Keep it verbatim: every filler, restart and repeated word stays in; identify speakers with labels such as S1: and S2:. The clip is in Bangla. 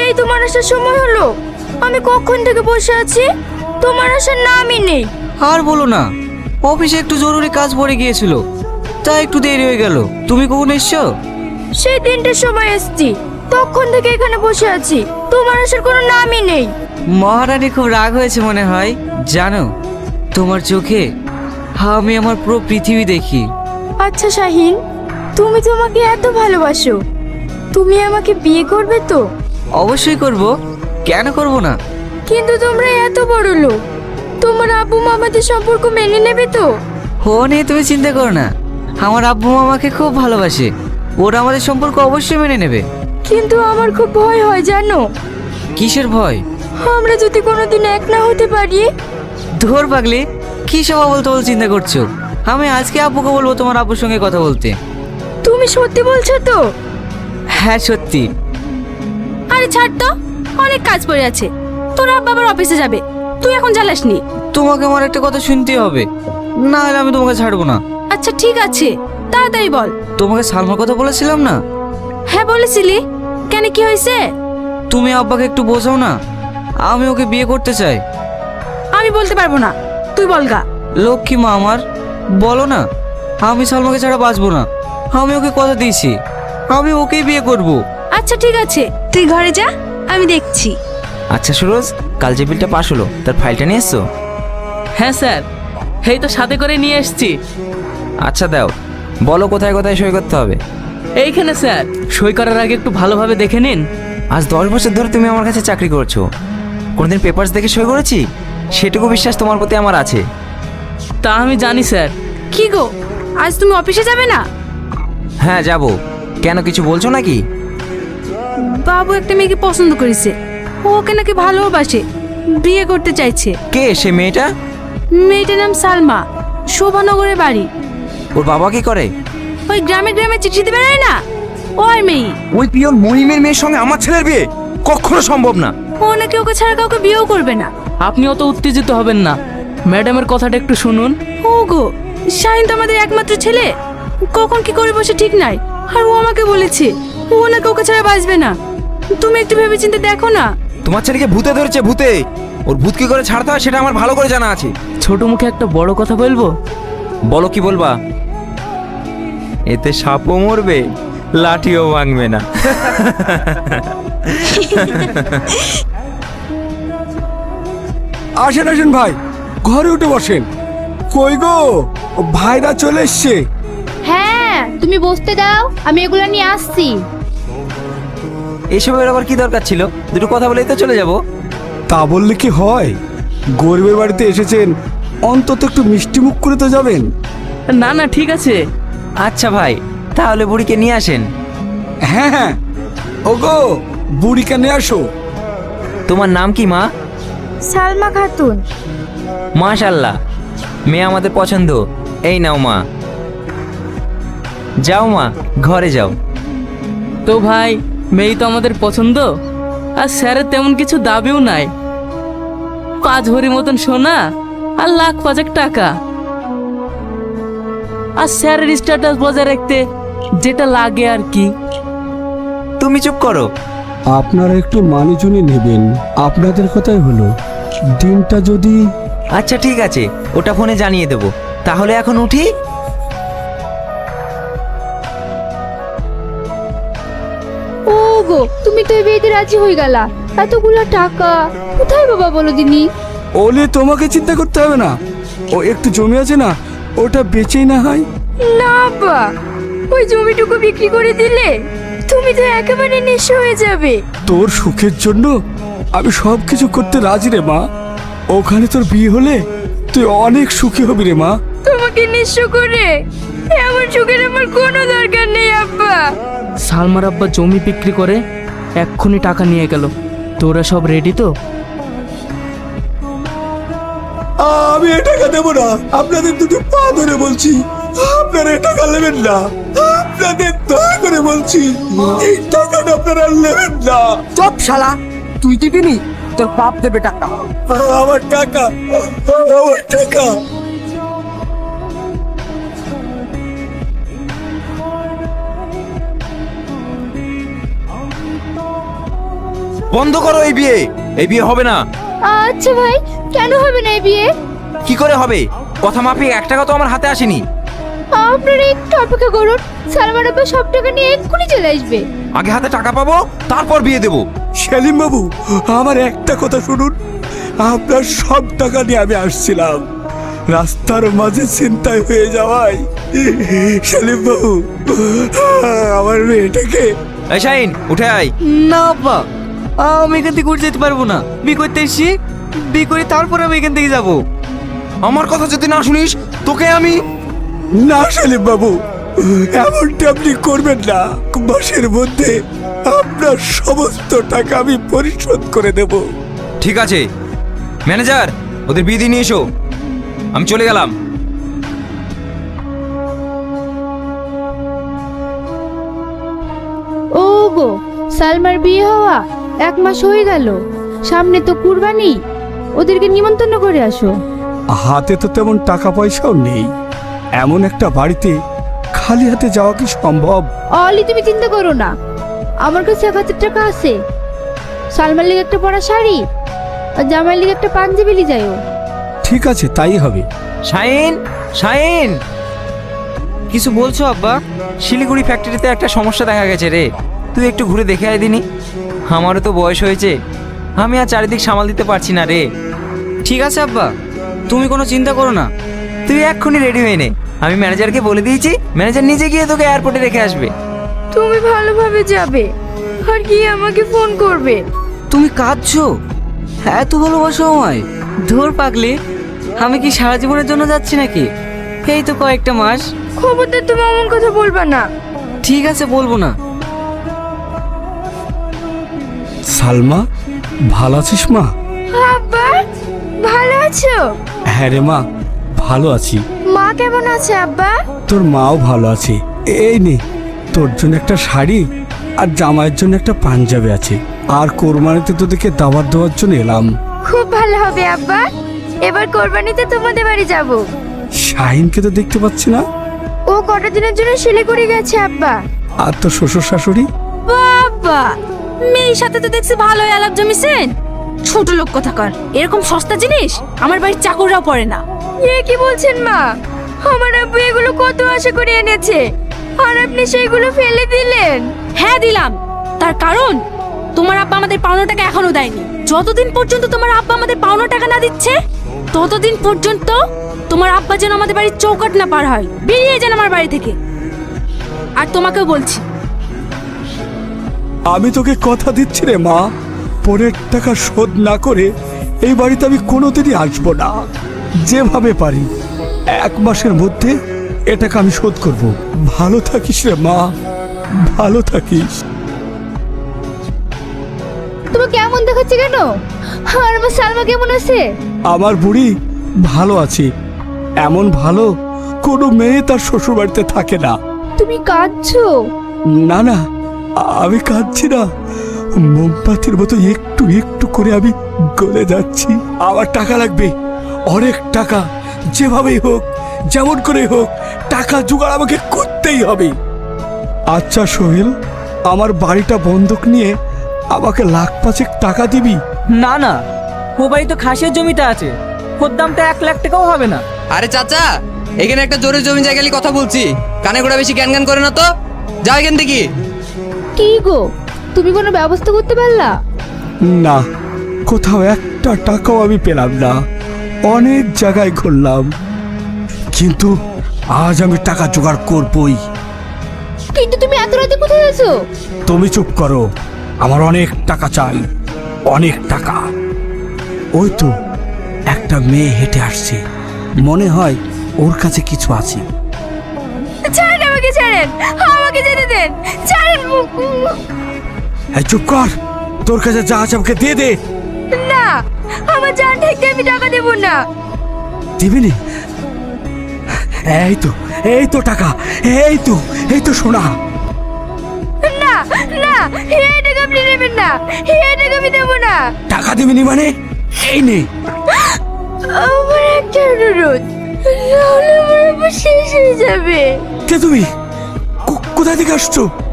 S1: এই তোমার আসার সময় হলো? আমি কখন থেকে বসে আছি, তোমার আসার নামই নেই।
S2: আর বলো না, অফিসে একটু জরুরি কাজ পড়ে গিয়েছিল, তাই একটু দেরি হয়ে গেল। তুমি কখন এসছো?
S1: সেই তিনটের সময় এসছি, তখন থেকে এখানে বসে আছি, তোমার আসার কোনো নামই নেই।
S2: মহারানী খুব রাগ হয়েছে মনে হয়। জানো, তোমার চোখে আমি আমার পুরো পৃথিবী দেখি।
S1: আচ্ছা শাহিন, তুমি তোমাকে এত ভালোবাসো, তুমি আমাকে বিয়ে করবে তো?
S2: অবশ্যই করব, কেন করব না?
S1: কিন্তু তোমরা এত বড় লোক, তোমার আব্বু মা আমাদের সম্পর্ক মেনে নেবে তো?
S2: ও নিয়ে তুমি চিন্তা করো না, আমার আব্বু আমাকে খুব ভালোবাসে, ওরা আমাদের সম্পর্ক অবশ্যই মেনে নেবে।
S1: কিন্তু আমার খুব ভয় হয় জানো।
S2: কিসের ভয়?
S1: আমরা যদি কোনোদিন এক না হতে পারি।
S2: ধর পাগলি, কি সব বলতে বল চিন্তা করছো? আমি আজকে আব্বুকে বলবো তোমার আব্বুর সঙ্গে কথা বলতে।
S1: তুমি সত্যি বলছো তো?
S2: হ্যাঁ সত্যি।
S1: আরে ছাড় তো, অনেক কাজ পড়ে আছে, তোর আব্বা আবার অফিসে যাবে, তুই এখন জ্বালাসনি।
S2: তোমাকে আমার একটা কথা শুনতে হবে, না হলে আমি তোমাকে ছাড়বো না।
S1: আচ্ছা ঠিক আছে, তাড়াতাড়ি বল।
S2: তোমাকে সালমার কথা বলেছিলাম না?
S1: হ্যাঁ বলেছিলি, কেন কি হয়েছে?
S2: তুমি আব্বাকে একটু বোঝাও না, আমি ওকে বিয়ে করতে চাই।
S1: আমি বলতে পারবো না, তুই বলগা।
S2: লক্ষ্মী মা আমার, বলো না। আমি সালমাকে ছাড়া বাঁচবো না, আমি ওকে কথা দিয়েছি, আমি ওকেই বিয়ে করব।
S1: আচ্ছা ঠিক আছে, তুই ঘরে যা, আমি দেখছি।
S3: আচ্ছা সুরজ, কাল যে বিলটা পাস হলো তার ফাইলটা নিয়ে এসছো?
S4: হ্যাঁ স্যার, এই তো সাথে করে নিয়ে এসেছি।
S3: আচ্ছা দাও, বলো কোথায় কোথায় সই করতে হবে।
S4: এইখানে স্যার, সই করার আগে একটু ভালোভাবে দেখে নিন।
S3: আজ দশ বছর ধরে তুমি আমার কাছে চাকরি করছো, কোনোদিন পেপারস দেখে সই করেছি? সেটুকু বিশ্বাস তোমার প্রতি আমার আছে।
S4: তা আমি জানি স্যার।
S1: কি গো, আজ তুমি অফিসে যাবে না?
S3: হ্যাঁ যাব। কেন, কিছু বলছো নাকি?
S1: বাবু একটা মেয়েকে পছন্দ করেছে, ও ওকে নাকি ভালোবাসে, বিয়ে করতে চাইছে।
S3: কে সে মেয়েটা?
S1: মেয়েটার নাম সালমা, শোভানগরের বাড়ি।
S3: ওর বাবা কি করে?
S1: ওই গ্রামে গ্রামে চিঠি দিতে বেড়ায় না, ও আর মেয়ে।
S3: ওই পিয়ন মহিমের মেয়ের সঙ্গে আমার ছেলের বিয়ে কখনো সম্ভব না।
S1: ও নাকি ওকে ছাড়া কাউকে বিয়েও করবে না।
S4: আপনি অত উত্তেজিত হবেন না, ম্যাডামের কথাটা একটু শুনুন।
S1: ও গো, শাহিন তো আমাদের একমাত্র ছেলে, কখন কি করে বসে ঠিক নাই। আর ও আমাকে বলেছে ও নাকি ওকে ছাড়া বাঁচবে না। তুমি একটু ভেবেচিন্তে দেখো না।
S3: তোমার ছেলেকে ভূতে ধরেছে, ভূতে। ওর ভূত কি করে ছাড়তে হয় সেটা আমার ভালো করে জানা আছে।
S4: ছোট মুখে একটা বড় কথা বলবো?
S3: বলো, কি বলবা? এতে সাপও মরবে, লাঠিও ভাঙবে না।
S5: আসেন আসেন ভাই, ঘরে উঠে বসেন। কই গো, ভাইরা চলে এসছে।
S6: হ্যাঁ তুমি বসতে দাও, আমি এগুলো নিয়ে আসছি।
S3: এসবের আবার কি দরকার ছিল? দুটো কথা বলেই তো চলে যাব।
S5: তা বললে কি হয়, গরিবের বাড়িতে এসেছেন, অন্তত একটু মিষ্টি মুখ করে তো যাবেন।
S4: না না ঠিক আছে।
S3: আচ্ছা ভাই, তাহলে বুড়িকে নিয়ে আসেন।
S5: হ্যাঁ হ্যাঁ, ওগো বুড়িকে নিয়ে আসো।
S3: তোমার নাম কি মা?
S1: সালমা খাতুন।
S3: মাশাল্লাহ, মেয়ে আমাদের পছন্দ। এই নাও মা। যাও মা, ঘরে যাও।
S4: তো ভাই, মেয়ে তো আমাদের পছন্দ, আর স্যারের তেমন কিছু দাবিও নাই। পাঁচ ভরি মতন সোনা আর লাখ পাঁচেক টাকা, আর স্যারের স্ট্যাটাস বজায় রাখতে যেটা লাগে আর কি।
S3: তুমি চুপ করো।
S5: আপনারা একটু মানুষজনই নেবেন, আপনাদের কথাই হলো। দিনটা যদি
S3: আচ্ছা ঠিক আছে, ওটা ফোনে জানিয়ে দেবো। তাহলে এখন উঠি।
S6: ও গো, তুমি তো এই বিয়েতে রাজি হয়ে গেলা, এতগুলো টাকা কোথায় বাবা বলো দিনি?
S5: ওলে তোমাকে চিন্তা করতে হবে না, ও একটু জমি আছে না, ওটা বেচেই না হয়।
S1: না আব্বা, ওই জমিটুকু বিক্রি করে দিলে তুমি তো একেবারে নিঃস্ব হয়ে যাবে।
S5: তোর সুখের জন্য আমি সব কিছু করতে রাজি রে মা। ওখানে তোর বিয়ে হলে তুই অনেক সুখী হবি রে মা।
S1: তোমাকে নিঃস্ব করে এমন সুখের আমার কোনো দরকার নেই আব্বা।
S4: সালমার আব্বা জমি বিক্রি করে এক্ষুনি টাকা নিয়ে গেল। তোরা সব রেডি তো?
S5: আমি এ টাকা দেবো না, আপনাদের দুটো পা ধরে বলছি, আপনারা এ টাকা নেবেন না। আপনাদের দয়া করে বলছি, এই টাকাটা আপনারা নেবেন না।
S7: চপ শালা, তুই দিবি নি, তোর বাপ দেবে টাকা।
S5: আমার টাকা, আমার টাকা।
S3: বন্ধ করো এই বিয়ে, এই বিয়ে হবে না।
S6: আচ্ছা ভাই, কেন হবে না এই বিয়ে?
S3: কি করে হবে? কথা মাফিক এক টাকা তো আমার হাতে আসেনি।
S6: আপনারা একটু অপেক্ষা করুন, সালমান আব্বা সব টাকা নিয়ে এক্ষুনি চলে আসবে।
S3: আগে হাতে টাকা পাবো, তারপর বিয়ে দেবো।
S5: সেলিম বাবু, আমার একটা কথা শুনুন। আপনার সব টাকা নিয়ে আমি আসছিলাম, রাস্তার মাঝে ছিনতাই হয়ে যাওয়ায় সেলিম বাবু আমার মেয়েটাকে।
S3: এই শাহিন, উঠে আয়।
S2: না আব্বা, আমি এখান থেকে উঠে যেতে পারবো না। বিয়ে করতে এসছি, বিয়ে করে তারপর আমি এখান থেকে যাবো।
S3: আমার কথা যদি না শুনিস তোকে আমি।
S5: না সেলিম বাবু, এমনটা আপনি করবেন না। মাসের মধ্যে আপনার সমস্ত টাকা আমি পরিশোধ করে দেব।
S3: ঠিক আছে ম্যানেজার, ওদের বিয়ে দিয়ে নিয়ে এসো, আমি চলে গেলাম।
S6: ও গো, সালমার বিয়ে হওয়া এক মাস হয়ে গেল, সামনে তো কুরবানি, ওদেরকে নিমন্ত্রণ করে আসো।
S5: হাতে তো তেমন টাকা পয়সাও নেই, এমন একটা বাড়িতে খালি হাতে যাওয়া কি সম্ভব?
S6: অলি তুমি চিন্তা করো না, আমার কাছে এক হাজার টাকা আছে। সালমার লিগে একটা পরা শাড়ি আর জামাইয়ের লিগে একটা পাঞ্জাবি লি যাইও।
S5: ঠিক আছে, তাই হবে।
S3: শাহিন, শাহিন,
S2: কিছু বলছো আব্বা?
S3: শিলিগুড়ি ফ্যাক্টরিতে একটা সমস্যা দেখা গেছে রে, তুই একটু ঘুরে দেখে আয় দিনি। আমারও তো বয়স হয়েছে, আমি আর চারিদিক সামাল দিতে পারছি না রে।
S2: ঠিক আছে আব্বা, তুমি কোনো চিন্তা করো না।
S3: তুই এক্ষুনি রেডি হয়ে নে, আমি ম্যানেজারকে বলে দিয়েছি, ম্যানেজার নিজে গিয়ে তোকে এয়ারপোর্টে রেখে আসবে।
S1: তুমি ভালোভাবে যাবে আর কি আমাকে ফোন করবে।
S2: তুমি কাঁদছো? এত ভালোবাসো আমায়? ধর পাগলি, আমি কি সারা জীবনের জন্য যাচ্ছি নাকি? এই তো কয়েকটা মাস।
S1: খবরদার তুমি এমন কথা বলবা না।
S2: ঠিক আছে, বলবো না।
S5: সালমা, ভালো আছিস মা?
S1: আব্বা, ভালো আছো?
S5: হ্যাঁ রে মা, ভালো আছি।
S1: মা কেমন আছে আব্বা?
S5: তোর মাও ভালো আছে। এই নে, তোর জন্য একটা শাড়ি আর জামাইয়ের জন্য একটা পাঞ্জাবি আছে। আর কোরবানিতে তোদেরকে দাওয়াত দেওয়ার জন্য এলাম।
S1: খুব ভালো হবে আব্বা, এবার কোরবানিতে তোমাদের বাড়ি যাব।
S5: শাহিনকে তো দেখতে পাচ্ছি না।
S1: ও কটা দিনের জন্য শিলিগুড়ি গেছে আব্বা।
S5: আর তোর শ্বশুর শাশুড়ি?
S1: বাবা, মেয়ের সাথে তো দেখছি ভালোই আলাপ জমিছেন। ছোট লোক কোথাকার, এরকম সস্তা জিনিস আমার বাড়ির চাকররাও পড়ে না। এ কি বলছেন মা? আমার আব্বু এগুলো কত আশা করে এনেছে, আর আপনি সেইগুলো ফেলে দিলেন। হ্যাঁ দিলাম, তার কারণ তোমার আব্বা আমাদের পাওনা টাকা এখনো দেয়নি। যতদিন পর্যন্ত তোমার আব্বা আমাদের পাওনা টাকা না দিচ্ছে, ততদিন পর্যন্ত তোমার আব্বা যেন আমাদের বাড়ির চৌকাট না পার হয়। বেরিয়ে যান আমার বাড়ি থেকে। আর তোমাকেও বলছি,
S5: আমি তোকে কথা দিচ্ছি রে মা, পরের টাকা শোধ না করে এই বাড়িতে আমি কোনোদিনই আসবো না। যেভাবে পারি এক মাসের মধ্যে এ টাকা আমি শোধ করব। ভালো থাকিস রে মা, ভালো থাকিস।
S6: তোমাকে কেমন দেখাচ্ছে কেন? আর আমার সালমা কেমন আছে?
S5: আমার বুড়ি ভালো আছে, এমন ভালো কোনো মেয়ে তার শ্বশুর বাড়িতে থাকে না।
S6: তুমি কাঁদছো?
S5: না না, আমি কাঁদছি না, মোমবাতির মতো একটু একটু করে আমি গলে যাচ্ছি। আমার টাকা লাগবে, অনেক টাকা, যেভাবেই হোক, যেমন করে হোক, টাকা জোগাড় আমাকে করতেই হবে। আচ্ছা সোহেল, আমার বাড়িটা বন্ধক নিয়ে আমাকে লাখ পাঁচেক টাকা দিবি?
S4: না না, ও বাড়ি তো খাসের জমিতে আছে, ওর দামটা এক লাখ টাকাও হবে না।
S8: আরে চাচা, এখানে একটা জোরে জমি জায়গা নিয়ে কথা বলছি, কানে গোড়া বেশি জ্ঞান জ্ঞান করে না তো, যাও এখান থেকে।
S6: কি গো, তুমি কোনো ব্যবস্থা করতে পারলা?
S5: না, কোথাও একটা টাকাও আমি পেলাম না। অনেক জায়গায় ঘুরলাম, কিন্তু আজ আমি টাকা জোগাড় করবই।
S6: কিন্তু তুমি এত রাতে কোথায় আছো?
S5: তুমি চুপ করো, আমার অনেক টাকা চাই, অনেক টাকা। ওই তো একটা মেয়ে হেঁটে আসছে, মনে হয় ওর কাছে কিছু আছে।
S1: ছাড়েন আমাকে, ছাড়েন আমাকে যেতে দেন, ছাড়েন।
S5: এই চুপ কর, তোর কাছে যা আছে আমাকে দিয়ে দে।
S1: না, আমার জান থেকে আমি টাকা দেব না।
S5: দিবি নি? এই তো, এই তো টাকা, এই তো, এই তো সোনা।
S1: না না, এই টাকা আপনি নেবেন না, এই টাকা আমি দেবো না।
S5: টাকা দিবি নি মানে? এই নে।
S1: আমার একটা অনুরোধ, নাহলে আমার আবার শেষ হয়ে যাবে।
S5: কে তুমি? কো- কোথা থেকে আসছো?